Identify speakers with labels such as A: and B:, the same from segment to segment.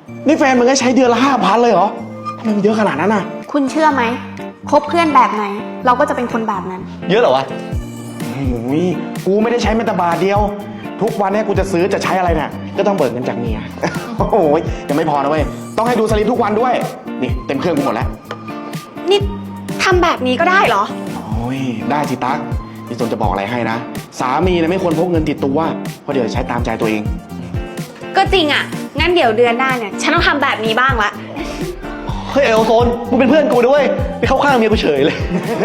A: นี่แฟนมึงก็ใช้เดือนละ5,000เลยเหรอทำไมมันเยอะขนาดนั้นน่ะ
B: คุณเชื่อไหมคบเพื่อนแบบไหนเราก็จะเป็นคนแบบนั้น
C: เยอะเหรอวะ
A: กูไม่ได้ใช้แม้แต่บาทเดียวทุกวันนี้กูจะซื้อจะใช้อะไรเนี่ยก็ต้องเบิกเงินจากเมีย โอ้ยยังไม่พอนะเว้ยต้องให้ดูสลิปทุกวันด้วยนี่เต็มเครื่องกูหมดแล้ว
B: นี่ทำแบบนี้ก็ได้เหรอ
A: โอ้ยได้สิตั๊กพี่สนจะบอกอะไรให้นะสามีเนี่ยไม่ควรพกเงินติดตัวเพราะเดี๋ยวใช้ตามใจตัวเอง
B: ก็จริงอ่ะงั้นเดี๋ยวเดือนหน้าเนี่ยฉันต้องทำแบบนี้บ้างละ
C: เฮ้ยไอโอโซนมึงเป็นเพื่อนกูด้วยไปเข้าข้างเมียกูเฉยเลย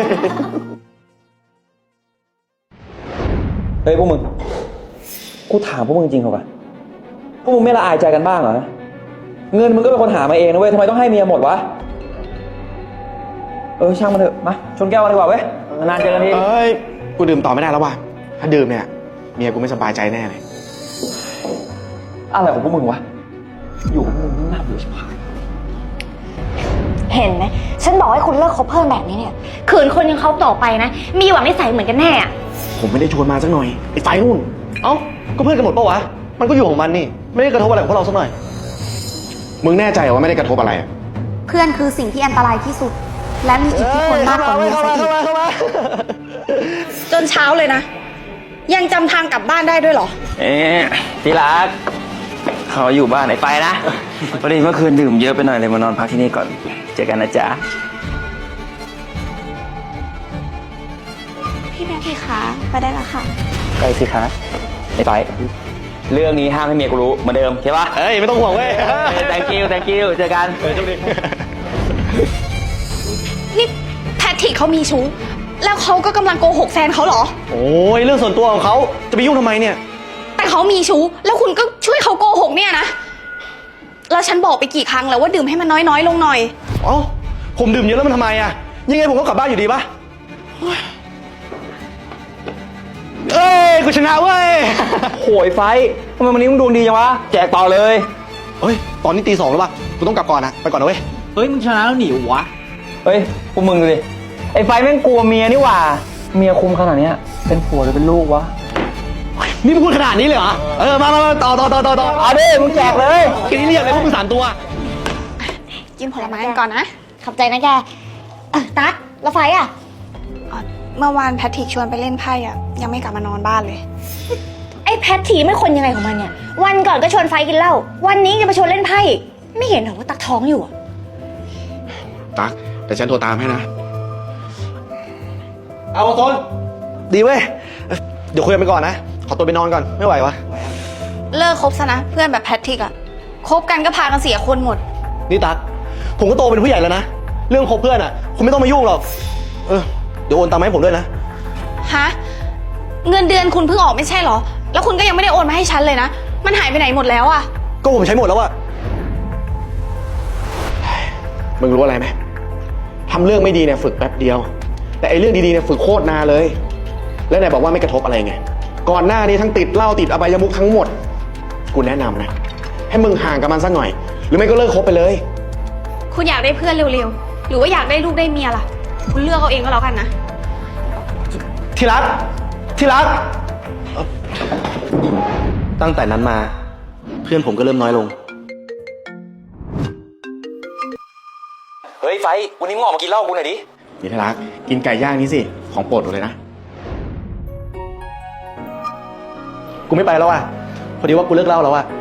D: เฮ้ยพวกมึงกูถามพวกมึงจริงเหรอวะพวกมึงไม่ละอายใจกันบ้างเหรอเงินมึงก็เป็นคนหามาเองนะเว้ยทำไมต้องให้เมียหมดวะช่างมันเถอะมาชนแก้วกันดีกว่าเว้ยนานเจอกันที
A: กูดื่มต่อไม่ได้แล้วว่ะถ้าดื่มเนี่ยเมียกูไม่สบายใจแน่เลย
D: อะไรของพวกมึงวะอยู่กับมึงน่าเบื่อชิบหาย
E: เห็นไหมฉันบอกให้คุณเลิกคบเพื่อนแบบนี้เนี่ยขืนคนยังเขาต่อไปนะมีหวังนิสัยเหมือนกันแน่อะ
A: ผมไม่ได้ชวนมาสักหน่อยไอ้ไฟนู่น
C: เอ้าก็เพื่อนกันหมดปะวะมันก็อยู่ของมันนี่ไม่ได้กระทบอะไรกับพวกเราสักหน่อย
A: มึงแน่ใจว่าไม่ได้กระทบอะไรอ่ะ
B: เพื่อนคือสิ่งที่อันตรายที่สุดและมีอิทธิพลมากกว่าเมียซะอีกจนเช้าเลยนะยังจำทางกลับบ้านได้ด้วยเหรอ
D: ที่รักเขาอยู่บ้านไหนไปนะพอดีเมื่อคืนดื่มเยอะไปหน่อยเลยมานอนพักที่นี่ก่อนเจอกันนะจ๊ะ
B: พี่แม่พี่คะไปได้แล้วค่ะ
D: ไปสิคะไอ้ไปเรื่องนี้ห้ามให้เมียกูรู้เหมือนเดิมใช่ปะ
C: ไม่ต้องห่วงเว้ย
D: thank you เจอกัน
C: โชคดี
B: นี่แพทริกเขามีชู้แล้วเขาก็กำลังโกหกแฟนเขาเหรอ
C: โอ้ยเรื่องส่วนตัวของเขาจะไปยุ่งทำไมเนี่ย
B: แต่เขามีชู้แล้วคุณก็ช่วยเขาโกหกเนี่ยนะแล้วฉันบอกไปกี่ครั้งแล้วว่าดื่มให้มันน้อยลงหน่อย
C: ผมดื่มเยอะแล้วมันทำไมอะยังไงผมก็กลับบ้านอยู่ดีปะกูชนะเว้ย
D: โหยไฟทำไมวันนี้มึงดวงดีจังวะแจกต่อเลย
C: ตอนนี้ตี 2แล้วปะกูต้องกลับก่อนนะไปก่อนนะเว้ย
D: มึงชนะแล้วหนีวะพวกมึงดูดิไอ้ไฟแม่งกลัวเมียนี่หว่าเมียคุมขนาดนี้เป็นผัวหรือเป็นลูกวะ
C: นี่มึงพูดขนาดนี้เลยเหรอมาต่อ
D: เอาดิมึงแจกเลย
C: กินนี่เรียกเลยพวกมึง3 ตัว
B: กินผลไม้กันก่อนนะ
E: ขอบใจนะแกตั๊กแล้วไฟอ่ะ
B: เมื่อวานแพทริกชวนไปเล่นไพ่อ่ะยังไม่กลับมานอนบ้านเลย
E: ไอ้แพททีไม่คนยังไงของมันเนี่ยวันก่อนก็ชวนไฟกินเหล้าวันนี้จะมาชวนเล่นไพ่ไม่เห็นเหรอว่าตักท้องอยู่
A: ตั๊กแต่ฉันโทรตามให้นะ
C: เอาโซนดีเว้ยเดี๋ยวคุยกันไปก่อนนะขอตัวไปนอนก่อนไม่ไหววะ
B: เลิกคบซะนะเพื่อนแบบแพทริกอ่ะคบกันก็พากันเสียคนหมด
C: นี่ตั๊กผมก็โตเป็นผู้ใหญ่แล้วนะเรื่องคบเพื่อนอ่ะคุณไม่ต้องมายุ่งหรอกเดี๋ยวโอนตังค์มาให้ผมด้วยนะ
B: ฮะเงินเดือนคุณเพิ่งออกไม่ใช่เหรอแล้วคุณก็ยังไม่ได้โอนมาให้ฉันเลยนะมันหายไปไหนหมดแล้วอะ
C: ก็ผมใช้หมดแล้วอะ
A: มึงรู้อะไรไหมทำเรื่องไม่ดีเนี่ยฝึกแป๊บเดียวแต่ไอ้เรื่องดีๆเนี่ยฝึกโคตรนานเลยแล้วไหนบอกว่าไม่กระทบอะไรไงก่อนหน้านี้ทั้งติดเหล้าติดอบายมุขทั้งหมดกูแนะนำนะให้มึงห่างกับมันสักหน่อยหรือไม่ก็เลิกคบไปเลย
B: คุณอยากได้เพื่อนเร็วๆหรือว่าอยากได้ลูกได้เมียล่ะคุณเลือกเอาเองก็แล้วกันนะ
C: ที่รักตั้งแต่นั้นมาเพื่อนผมก็เริ่มน้อยลง
D: เฮ้ยไฟวันนี้มึงออกมากินเหล้ากูหน่อยดิ
A: นี่ที่รักกินไก่ย่างนี้สิของโปรดเลยนะ
C: กูไม่ไปแล้วอ่ะพอดีว่ากูเลิกเหล้าแล้วอ่ะ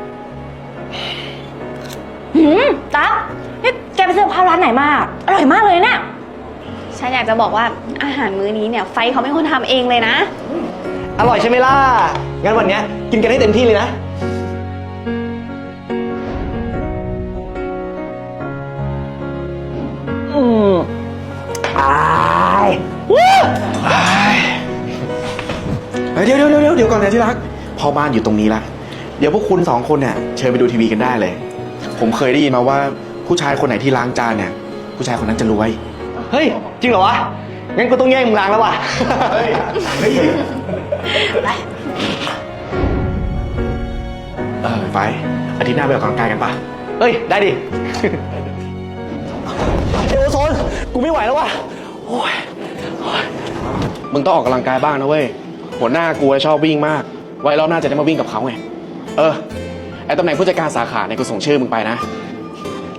E: ตั๊กนี่แกไปซื้อข้าวร้านไหนมาอร่อยมากเลยเนี่ย
B: ฉันอยากจะบอกว่าอาหารมื้อนี้เนี่ยไฟเขาเป็นคนทำเองเลยนะ
C: อร่อยใช่ไหมล่ะงั้นวันนี้กินกันให้เต็มที่เลยนะ
A: เดี๋ยวก่อนนะที่รักพ่อบ้านอยู่ตรงนี้ละเดี๋ยวพวกคุณ2 คนเนี่ยเชิญไปดูทีวีกันได้เลยผมเคยได้ยินมาว่าผู้ชายคนไหนที่ล้างจานเนี่ยผู้ชายคนนั้นจะรวย
C: เฮ้ยจริงเหรอวะงั้นกูต้องแย่งมึงล้างแล้วว่ะ
A: ไฟอาทิตย์หน้าไปออกกำลังกายกันปะ
C: ได้ดิเอวโซนกูไม่ไหวแล้วว่ะ
A: มึงต้องออกกำลังกายบ้างนะเว้ยหัวหน้ากูชอบวิ่งมากไว้รอบหน้าจะได้มาวิ่งกับเขาไงไอตำแหน่งผู้จัดการสาขาเนี่ยกูส่งชื่อมึงไปนะ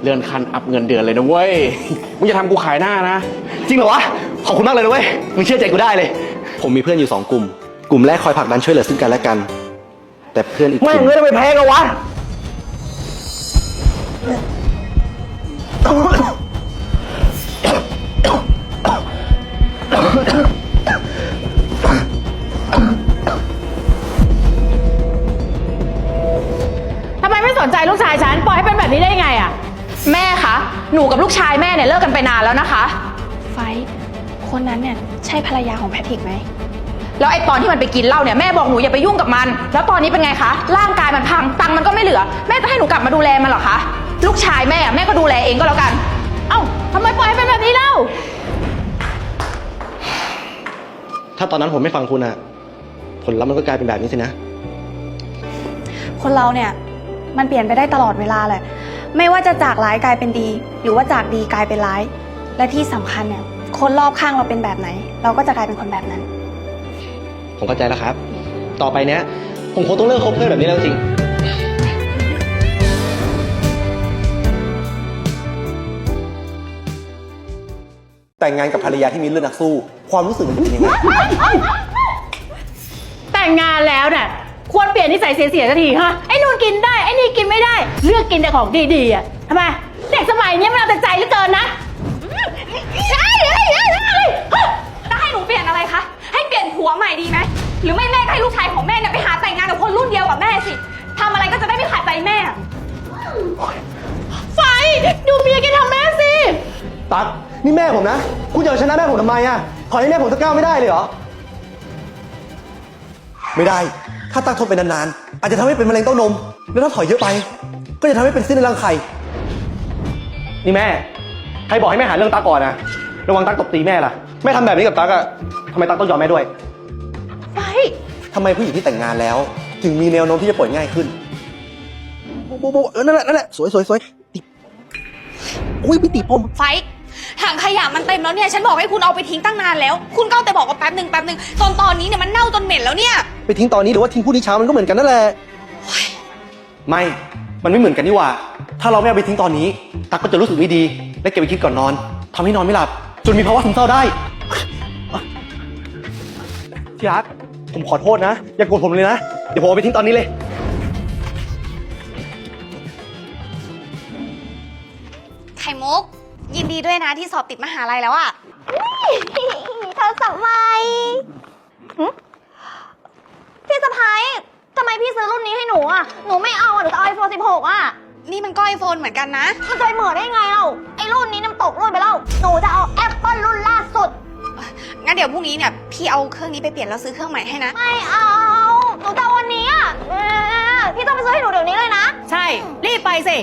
A: เลื่อนขั้นอัพเงินเดือนเลยนะเว้ย มึงจะทำกูขายหน้านะ
C: จริงเหรอวะ ขอบคุณมากเลยนะเว้ย มึงเชื่อใจกูได้เลย ผมมีเพื่อนอยู่2กลุ่ม กลุ่มแรกคอยผลักดันช่วยเหลือซึ่งกันและกัน แต่เพื่อนอีกกลุ่ม
D: แม่งเงินไปแพงเอาวะ
F: ทำไมไม่สนใจลูกชายฉัน ปล่อยให้เป็นแบบนี้ได้ยังไงอะ
B: แม่คะ หนูกับลูกชายแม่เนี่ยเลิกกันไปนานแล้วนะคะ ไฟท์คนนั้นเนี่ยใช่ภรรยาของแพทริกไหม แล้วไอ้ตอนที่มันไปกินเหล้าเนี่ยแม่บอกหนูอย่าไปยุ่งกับมัน แล้วตอนนี้เป็นไงคะ ร่างกายมันพัง ตังค์มันก็ไม่เหลือ แม่จะให้หนูกลับมาดูแลมันเหรอคะ ลูกชายแม่แม่ก็ดูแลเองก็แล้วกัน
F: เอ้าทำไมปล่อยให้เป็นแบบนี้เล่า
C: ถ้าตอนนั้นผมไม่ฟังคุณอะผลลัพธ์มันก็กลายเป็นแบบนี้สินะ
B: คนเราเนี่ยมันเปลี่ยนไปได้ตลอดเวลาแหละ ไม่ว่าจะจากร้ายกลายเป็นดี หรือว่าจากดีกลายเป็นร้าย และที่สำคัญเนี่ยคนรอบข้างเราเป็นแบบไหน เราก็จะกลายเป็นคนแบบนั้น
C: ผมเข้าใจแล้วครับ ต่อไปเนี้ย ผมคงต้องเลิกคบเพื่อนแบบนี้แล้วจริง แต่งงานกับภรรยาที่มีเลือดนักสู้ ความรู้สึกมันจะเป็นยังไง
F: แต่งงานแล้วเนี่ยควรเปลี่ยนนิสัยเสียๆสักทีฮะ ไอ้นู่นกินได้ ไอ้นี่กินไม่ได้ เลือกกินแต่ของดีๆอ่ะทำไม เด็กสมัยนี้มันเอาแต่ใจเหลือเกินนะ
B: จะให้หนูเปลี่ยนอะไรคะ ให้เปลี่ยนผัวใหม่ดีไหม หรือไม่แม่ก็ให้ลูกชายของแม่เนี่ยไปหาแต่งงานกับคนรุ่นเดียวกับแม่สิทำอะไรก็จะได้ไม่ขาดใจแม่
F: ไฟ ดูเมียแกทำแม่สิ
C: ตั๊กนี่แม่ผมนะ คุณจะเอาชนะแม่ผมทำไมอะถอยให้แม่ผมสักก้าวไม่ได้เลยเหรอ ไม่ได้ ถ้าตั๊กทนไปนานๆ อาจจะทำให้เป็นมะเร็งเต้านม แล้วถ้าถอยเยอะไป ก็จะทำให้เป็นซิ้นในรังไข่ นี่แม่ ใครบอกให้แม่หาเรื่องตั๊กก่อนนะ ระวังตั๊กตบตีแม่ล่ะ แม่ทำแบบนี้กับตั๊กอะทำไมตั๊กต้องยอมแม่ด้วย
F: ไฟ
C: ทำไมผู้หญิงที่แต่งงานแล้ว ถึงมีแนวโน้มที่จะป่วยง่ายขึ้นโบนั่นแหละ สวยติดอุ้ยไม่ติดผม
B: ไฟท์ถังขยะมันเต็มแล้วเนี่ย ฉันบอกให้คุณเอาไปทิ้งตั้งนานแล้ว คุณก็เอาแต่บอกว่าแป๊บหนึ่งตอนนี้เนี่ยมันเน่าจนเหม็นแล้วเนี่ย
C: ไปทิ้งตอนนี้หรือว่าทิ้งพรุ่งนี้เช้ามันก็เหมือนกันนั่นแหละ ไม่ มันไม่เหมือนกันนี่หว่า ถ้าเราไม่เอาไปทิ้งตอนนี้ ตั๊กก็จะรู้สึกไม่ดี และเก็บไปคิดก่อนนอนทำให้นอนไม่หลับ จนมีภาวะซึมเศร้าได้ที่รักผมขอโทษนะ อย่าโกรธผมเลยนะ เดี๋ยวผมเอาไปทิ้งตอนนี้เลย
B: ไข่มุก ยินดีด้วยนะที่สอบติดมหาลัยแล้วอะ
E: เธอสมัยพี่สะพ้ายทำไมพี่ซื้อรุ่นนี้ให้หนูอ่ะ หนูไม่เอาอ่ะ หนูจะเอา iPhone 16 อ่ะ
B: นี่มันก็ไอโฟนเหมือนกันนะ
E: มันจะไปเหมือนได้ไงเล่า ไอ้รุ่นนี้น้ำตกรุ่นไปแล้ว หนูจะเอา Apple รุ่นล่าสุด
B: งั้นเดี๋ยวพรุ่งนี้เนี่ยพี่เอาเครื่องนี้ไปเปลี่ยนแล้วซื้อเครื่องใหม่ให้นะ
E: ไม่เอา หนูจะเอาวันนี้อ่ะพี่ต้องไปซื้อให้หนูเดี๋ยวนี้เลยนะ
F: ใช่ รีบไปสิ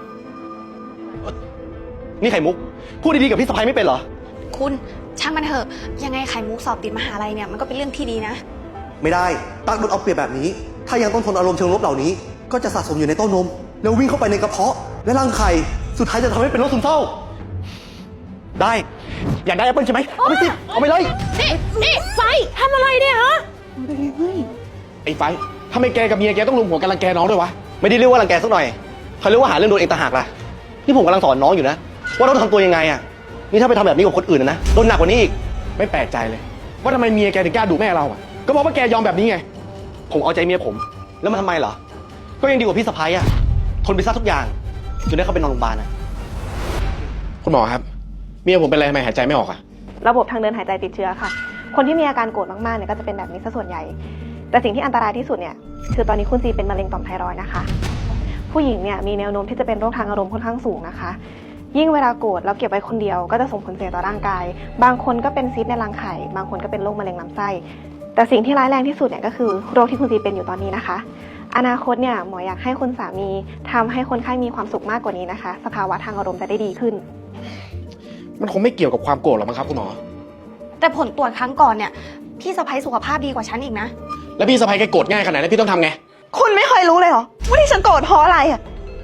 C: นี่ไข่มุก พูดดีๆกับพี่สะพ้ายไม่เป็นเหรอ
B: คุณช่างมันเถอะ ยังไงไข่มุกสอบติดมหาลัยเนี่ยมันก็เป็นเรื่องที่ดีนะ
C: ไม่ได้ ตั๊กโดนเอาเปรียบแบบนี้ ถ้ายังต้องทนอารมณ์เชิงลบเหล่านี้ ก็จะสะสมอยู่ในเต้านม แล้ววิ่งเข้าไปในกระเพาะ และรังไข่ สุดท้ายจะทำให้เป็นโรคซึมเศร้า ได้ อยากได้แอปเปิลใช่ไหมเอาไปสิ เอาไปเลย
F: นี่ไฟทำอะไรเนี่ยฮะ
A: ไอ้ไฟท์ทำไมแกกับเมียแกต้องลุมหัวกันรังแกน้องด้วยวะ
C: ไม่ได้เรียกว่ารังแกสักหน่อยเขาเรียกว่าหาเรื่องโดนเองต่างหากล่ะ นี่ผมกำลังสอนน้องอยู่นะ ว่าต้องทำตัวยังไงอะนี่ถ้าไปทำแบบนี้กับคนอื่นนะ โดนหนักกว่านี้อีก
A: ไม่แปลกใจเลย ว่าทำไมเมียแกถึงกล้าดุแม่เราอ่ะ ก็บอกว่าแกยอมแบบนี้ไง
C: ผมเอาใจเมียผม แล้วมันทำไมเหรอ ก็ยังดีกว่าพี่สะพ้ายอะทนไปซะทุกอย่างจนได้เข้าไปนอนโรงพยาบาลอะ
A: คุณหมอครับ เมียผมเป็นอะไรทำไมหายใจไม่ออกอ่ะ
G: ระบบทางเดินหายใจติดเชื้อค่ะ คนที่มีอาการโกรธมากๆเนี่ยก็จะเป็นแบบนี้ซะส่วนใหญ่ แต่สิ่งที่อันตรายที่สุดเนี่ยคือตอนนี้คุณซีเป็นมะเร็งต่อมไทรอยด์นะคะ ผู้หญิงเนี่ยมีแนวโน้มที่จะเป็นโรคทางอารมณ์ค่อนข้างสูงนะคะ ยิ่งเวลาโกรธแล้วเก็บไว้คนเดียวก็จะส่งผลเสียต่อร่างกาย บางคนก็เป็นซีสต์ในรังไข่ บางคนก็เป็นโรคมะเร็งลำไส้ แต่สิ่งที่ร้ายแรงที่สุดเนี่ยก็คือโรคที่คุณซีเป็นอยู่ตอนนี้นะคะ อนาคตเนี่ยหมออยากให้คุณสามีทำให้คนไข้มีความสุขมากกว่านี้นะคะ สภาวะทางอารมณ์จะได้ดีขึ้น
A: มันคงไม่เกี่ยวกับความโกรธหรอกมั้งครับคุณหมอ
B: แต่ผลตรวจครั้งก่อนเนี่ยพี่สะใภ้สุขภาพดีกว่าฉันอีกนะ
A: แล้วพี่สะพ้ายแกโกรธง่ายขนาดนั้นพี่ต้องทำไง
B: คุณไม่เคยรู้เลยเหรอว่าที่ฉันโกรธเพราะอะไรอะ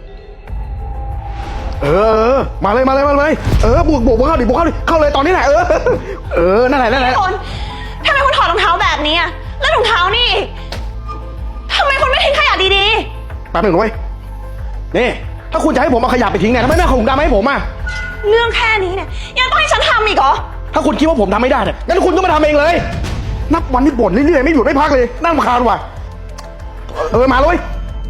A: มาเลยบวกเข้าดิเข้าเลยตอนนี้แหละนั่นแหละ
B: คุณทำไมคุณถอดรองเท้าแบบนี้อะแล้วรองเท้านี่ทำไมคุณไม่ทิ้งขยะดี
A: แป๊บหนึ่งเว้ยนี่ถ้าคุณจะให้ผมเอาขยะไปทิ้งเนี่ยทำไมไม่เอาถุงดำมาให้ผมอ่ะ
G: เรื่องแค่นี้เนี่ยยังต้องให้ฉันทำอีกเหรอ
A: ถ้าคุณคิดว่าผมทำไม่ได้เนี่ยงั้นคุณก็มาทำเองเลย นับวันนี่บ่นเรื่อยๆไม่หยุดไม่พักเลยน่ารำคาญว่ะมาเลย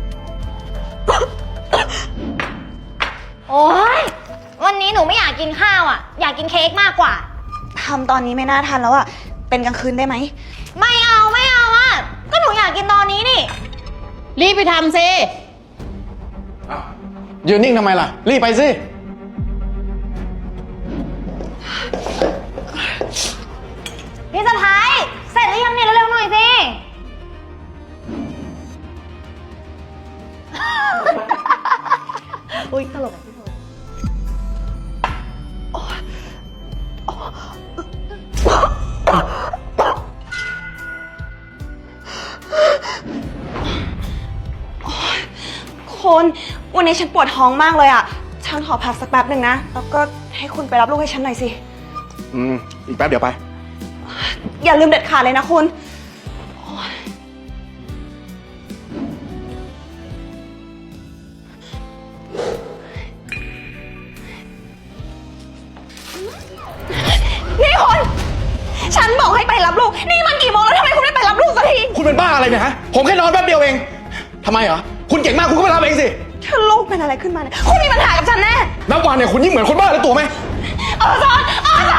E: โอ๊ย วันนี้หนูไม่อยากกินข้าวอ่ะ อยากกินเค้กมากกว่า
G: ทำตอนนี้ไม่น่าทันแล้วอะเป็นกลางคืนได้ไหม
E: ไม่เอาอ่ะ ก็หนูอยากกินตอนนี้นี่
F: รีบไปทำสิ
A: ยืนนิ่งทำไมล่ะรีบไปสิ
E: พี่สะพ้ายเสร็จหรือยังเนี่ยเร็วๆหน่อยสิ
G: อุ้ยตลกอะพี่โทคนวันนี้ฉันปวดท้องมากเลยอะฉันขอพักสักแป๊บหนึ่งนะ แล้วก็ให้คุณไปรับลูกให้ฉันหน่อยสิ
A: อีกแป๊บเดี๋ยวไป
G: อย่าลืมเด็ดขาดเลยนะคุณ นี่คุณ ฉันบอกให้ไปรับลูก นี่มันกี่โมงแล้วทำไมคุณไม่ไปรับลูกสักที
A: คุณเป็นบ้าอะไรเนี่ยฮะผมแค่นอนแป๊บเดียวเองทำไมเหรอคุณเก่งมากคุณก็ไปรับเองสิ
G: ถ้าลูกเป็นอะไรขึ้นมาเนี่ย คุณมีปัญหากับฉันแน่
A: นับวันเนี่ยคุณยิ่งเหมือนคนบ้าแล้วตัวไหม
G: อาจารย์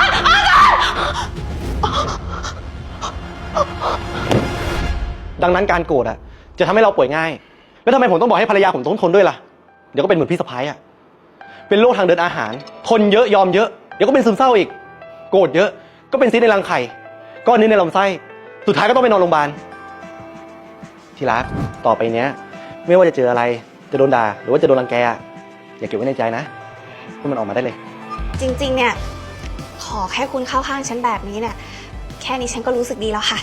C: ดังนั้นการโกรธอ่ะจะทำให้เราป่วยง่าย แล้วทำไมผมต้องบอกให้ภรรยาผมต้องทนด้วยล่ะ เดี๋ยวก็เป็นเหมือนพี่สะพ้ายอ่ะ เป็นโรคทางเดินอาหาร ทนเยอะยอมเยอะ เดี๋ยวก็เป็นซึมเศร้าอีก โกรธเยอะก็เป็นซีสต์ในรังไข่ ก้อนเนื้อในลำไส้ สุดท้ายก็ต้องไปนอนโรงพยาบาล ที่รัก ต่อไปเนี้ย ไม่ว่าจะเจออะไร จะโดนด่าหรือว่าจะโดนรังแกอะอย่าเก็บไว้ในใจนะให้มันออกมาได้เลย
G: จริงๆ เนี่ย ขอแค่คุณเข้าข้างฉันแบบนี้เนี่ย แค่นี้ฉันก็รู้สึกดีแล้วค่ะ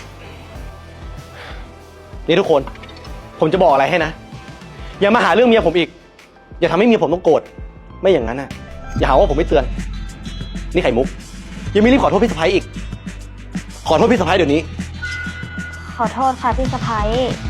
C: นี่ทุกคน ผมจะบอกอะไรให้นะ อย่ามาหาเรื่องเมียผมอีก อย่าทำให้เมียผมต้องโกรธ ไม่อย่างนั้นนะอย่าหาว่าผมไม่เตือน นี่ไข่มุก ยังไม่รีบขอโทษพี่สะพ้ายอีก ขอโทษพี่สะพ้ายเดี๋ยวนี้
E: ขอโทษค่ะพี่สะพ้าย